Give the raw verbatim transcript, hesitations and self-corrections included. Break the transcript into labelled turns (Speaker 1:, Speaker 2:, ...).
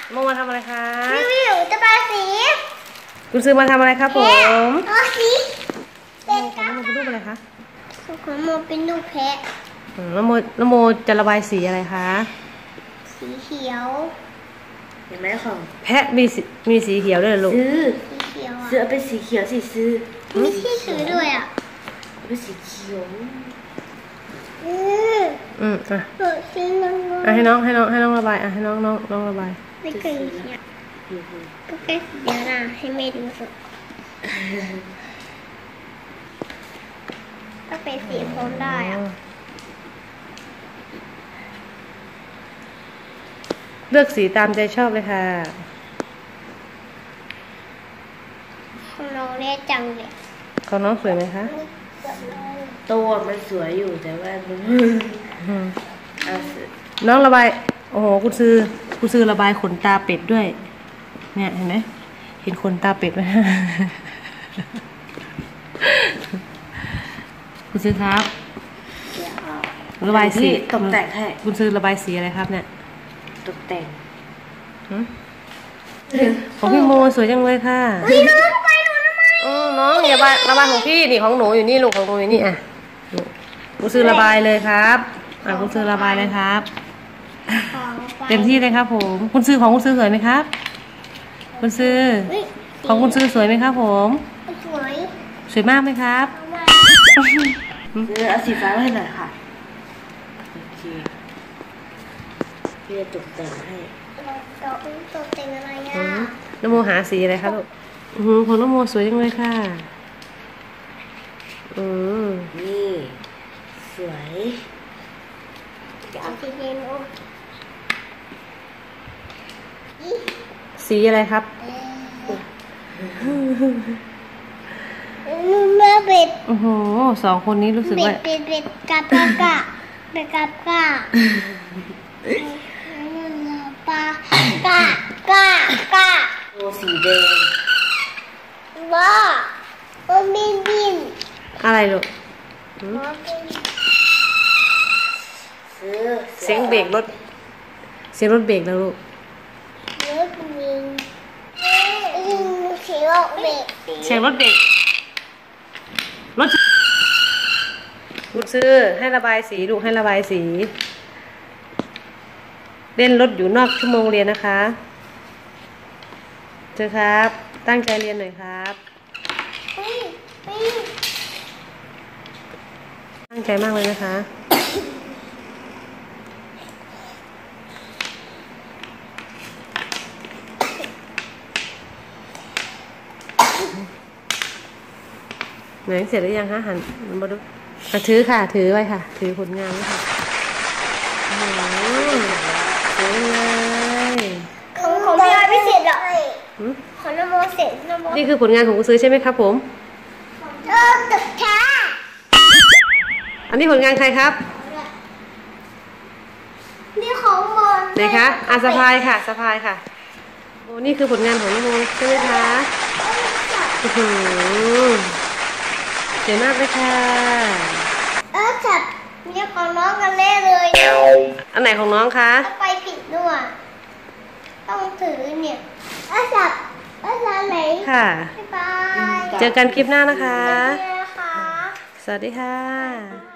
Speaker 1: โมมาทำอะไรคะ
Speaker 2: วิววิวจะปาสี
Speaker 1: คุณซื้อมาทำอะไรครับผม
Speaker 2: อ๋อสีเป็นกราฟ
Speaker 1: โมเป็นรูปอะไรคะ
Speaker 2: ของโมเป็นรูปแพะ
Speaker 1: แล้วโมแล้วโมจะระบายสีอะไรคะ
Speaker 2: สีเขียว
Speaker 3: เห็นไหมของ
Speaker 1: แพะมีสีมีสีเขียวด้วยลูก
Speaker 3: ซื้อ
Speaker 2: สีเขียว
Speaker 3: ซื้อเป็นสีเขียวสิซื้อ
Speaker 2: มีที่ซื้อด้วยอ่ะ
Speaker 3: เป็นสีเขียว
Speaker 2: อืม
Speaker 1: อืมอ่ะ
Speaker 2: สีน้อง
Speaker 1: อ่ะให้น้องให้น้องให้น้องระบายอ่ะให้น้องน้องน้องระบาย
Speaker 2: ไม่เคยเนี่ยก็แค่เดี๋ยวนะให้แม่ดูสิก็เป็นสีโทนได้อ่ะ
Speaker 1: เลือกสีตามใจชอบเลยค่ะ
Speaker 2: ของน้องเล่จังเลย
Speaker 1: ของน้องสวยไหมคะ
Speaker 3: ตัวมันสวยอยู่แต่ว่ามัน
Speaker 1: น้องระบายโอ้โหคุณซื้อคุณซื้อระบายขนตาเป็ดด้วยเนี่ยเห็นไหมเห็นขนตาเป็ดไหมคุณซื้อครับระบายสี
Speaker 3: ตกแต่งให้
Speaker 1: คุณซื้อระบายสีอะไรครับเนี่ย
Speaker 3: ตกแต่ง
Speaker 1: ของพี่โมสวยจังเลยค่ะ
Speaker 2: น้องไปหนูทำไม
Speaker 1: น้องอย่าระบายของพี่นี่ของหนูอยู่นี่ลูกของหนูอยู่นี่อ่ะคุณซื้อระบายเลยครับอ่ะคุณซื้อระบายเลยครับเต็มที่เลยครับผมคุณซื้อของคุณซื้อสวยไหมครับคุณซื้อของคุณซื้อสวยไหมครับผม
Speaker 2: สวย
Speaker 1: สวยมากไหมครับ
Speaker 3: ซื้อเอาสีฟ้าให้หน่อยค่ะโอเคพี่จะตกแต่งให้
Speaker 2: ตกแต่งอะไรอ่ะ
Speaker 1: น้ำโมหาสีอะไรคะลูกของน้ำโมสวยจังเลยค่ะอืม
Speaker 3: นี่สวย
Speaker 2: สีเขียว
Speaker 1: สีอะไรครับ
Speaker 2: แม่เป็ด
Speaker 1: โอ้โหสองคนนี้รู้สึกว่า
Speaker 2: เป็ดเป็ดกับปลากะเป็ดกับกะปลากะกะกะ
Speaker 3: โอ้สีแดง
Speaker 2: ว้ามันบินบิน
Speaker 1: อะไรลูกเสียงเบรกรถเสียงรถเบรกแล้วลูก
Speaker 2: รถบินเสียงรถเบรก
Speaker 1: เสียงรถเบรกรถลูกซื้อให้ระบายสีลูกให้ระบายสีเล่นรถอยู่นอกชั่วโมงเรียนนะคะเจอครับตั้งใจเรียนหน่อยครับตั้งใจมากเลยนะคะไหนเสร็จหรือยังคะหันมาดูถือค่ะถือไว้ค่ะถือผลงานไว้ค่ะโอ้โหสวยเลย
Speaker 2: ของของพี่อ้อยไม่เสร็จหรอกของน้ำโมเสร็จน้ำโม
Speaker 1: นี่คือผลงานของคุณซื้อใช่ไหมครับผม
Speaker 2: เออตึกช้า
Speaker 1: อันนี้ผลงานใครครับ
Speaker 2: นี่ของโม
Speaker 1: ไหนคะอาสะพายค่ะสะพายค่ะโอ้นี่คือผลงานของน้ำโมใช่ไหมคะโอ้โหเจ๋งมากเลยค่ะ
Speaker 2: เออจับเนี่ยของน้องกันเล่เลย
Speaker 1: อันไหนของน้องคะ
Speaker 2: ไปผิดด้วยต้องถือเนี่ยเออจับเออจับไหน
Speaker 1: ค่ะ
Speaker 2: บ๊ายบาย
Speaker 1: เจอกันคลิปหน้านะคะ
Speaker 2: สวัสดีค่ะ
Speaker 1: สวัสดีค่ะ